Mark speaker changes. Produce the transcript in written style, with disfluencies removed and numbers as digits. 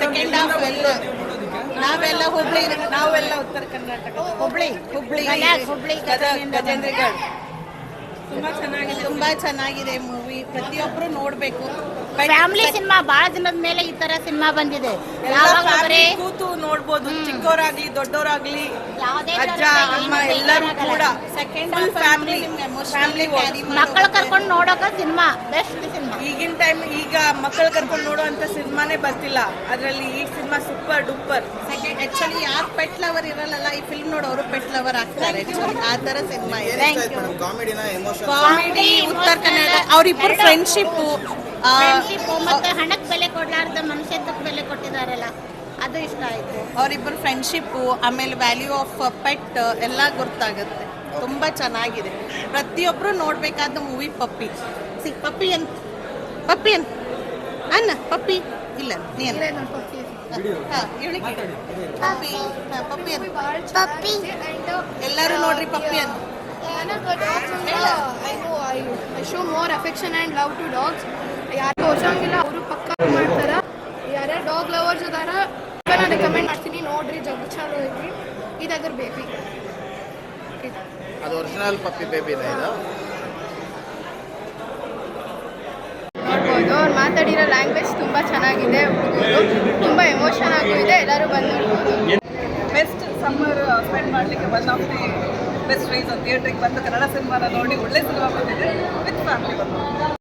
Speaker 1: Second half ಎಲ್ಲ ನಾವೆಲ್ಲ ಉತ್ತರ ಕರ್ನಾಟಕ ಹುಬ್ಳಿ ಗಜೇಂದ್ರಗಢ ತುಂಬಾ ಚೆನ್ನಾಗಿದೆ ಮೂವಿ. ಪ್ರತಿಯೊಬ್ರು ನೋಡ್ಬೇಕು.
Speaker 2: ಫ್ಯಾಮಿಲಿ ಸಿನಿಮಾ ಬಹಳ ದಿನದ ಮೇಲೆ ಈ ತರ ಸಿನಿಮಾ ಬಂದಿದೆ.
Speaker 1: ಕೂತು ನೋಡ್ಬೋದು, ಚಿಕ್ಕವರಾಗ್ಲಿ ದೊಡ್ಡವರಾಗ್ಲಿ, ಅಜ್ಜ ಅಮ್ಮ ಎಲ್ಲರೂ ಕೂಡ. ಸೆಕೆಂಡ್ ಫ್ಯಾಮಿಲಿ
Speaker 2: ಮಕ್ಕಳು ಕರ್ಕೊಂಡು ನೋಡೋಕ ಸಿನಿಮಾ ಬೆಸ್ಟ್ ಸಿನಿಮಾ.
Speaker 1: ಈಗಿನ ಟೈಮ್ ಈಗ ಮಕ್ಕಳು ಕರ್ಕೊಂಡು ನೋಡುವಂತ ಸಿನಿಮಾನೇ ಬರ್ತಿಲ್ಲ. ಅದ್ರಲ್ಲಿ ಈ ಸಿನಿಮಾ ಸೂಪರ್ ಡೂಪರ್. ಆಕ್ಚುಲಿ ಯಾರು ಪೆಟ್ ಲವರ್ ಇರಲ್ಲ ಈ ಫಿಲ್ಮ್ ನೋಡೋರು ಪೆಟ್ ಲವರ್ ಆಗ್ತಾರೆ. ಆ ತರ ಸಿನಿಮಾ ಇದೆ. ಕಾಮಿಡಿ ಉತ್ತರ ಕನ್ನಡ ಅವರಿಬ್ಬರು ಫ್ರೆಂಡ್ಶಿಪ್
Speaker 2: ಮತ್ತೆ ಹಣಕ್ಕೆ ಬೆಲೆ ಕೊಡ್ಲಾರ್ದ ಮನುಷ್ಯತ್ವಕ್ಕೆ ಬೆಲೆ ಕೊಟ್ಟಿದಾರಲ್ಲ, ಅದು ಇಷ್ಟ ಆಯ್ತು.
Speaker 1: ಅವರಿಬ್ಬರು ಫ್ರೆಂಡ್ಶಿಪ್, ಆಮೇಲೆ ವ್ಯಾಲ್ಯೂ ಆಫ್ ಪೆಟ್ ಎಲ್ಲ ಗೊತ್ತಾಗುತ್ತೆ. ತುಂಬಾ ಚೆನ್ನಾಗಿದೆ. ಪ್ರತಿಯೊಬ್ರು ನೋಡ್ಬೇಕಾದ ಮೂವಿ ಪಪ್ಪಿ ಅನ್ನ ಪಪ್ಪಿ ಇಲ್ಲ ಪಪ್ಪಿ ಎಲ್ಲರೂ ನೋಡ್ರಿ ಪಪ್ಪಿ ಅಂತ.
Speaker 3: I show more affection and love to dogs. ಯಾರು ತೋರ್ಸಂಗಿಲ್ಲ ಅವರು ಪಕ್ಕ ಮಾಡ್ತಾರ. ಯಾರ್ಯಾರು ಡಾಗ್ ಲವರ್ಸ್ ಅದಾರ ನಾನು ರೆಕಮೆಂಡ್ ಮಾಡ್ತೀನಿ, ನೋಡ್ರಿ. ಜಗ್ ಚಲೋ ಐತಿ. ಇದಾದ್ರ ಬೇಬಿ,
Speaker 4: ಅದು ಒರಿಜಿನಲ್ ಪಪ್ಪಿ ಬೇಬಿ ಇದೆ. ಇದು
Speaker 3: ನೋಡ್ಬೋದು. ಅವ್ರು ಮಾತಾಡಿರೋ ಲ್ಯಾಂಗ್ವೇಜ್ ತುಂಬ ಚೆನ್ನಾಗಿದೆ. ಹುಡುಗರು ತುಂಬ ಎಮೋಷನ್ ಆಗೂ ಇದೆ. ಎಲ್ಲರೂ ಬಂದು ನೋಡ್ಬೋದು.
Speaker 1: ಬೆಸ್ಟ್ ಸಮ್ಮರ್ ಸ್ಪೆಂಡ್ ಮಾಡಲಿಕ್ಕೆ one of the best reason ಥಿಯೇಟ್ರಿಗೆ ಬಂದು ಕನ್ನಡ ಸಿನಿಮಾನ ನೋಡಿ ಒಳ್ಳೆ ಸಿನಿಮಾ ಬಂದಿದೆ ವಿತ್ ಫ್ಯಾಮಿಲಿ ಬಂದು.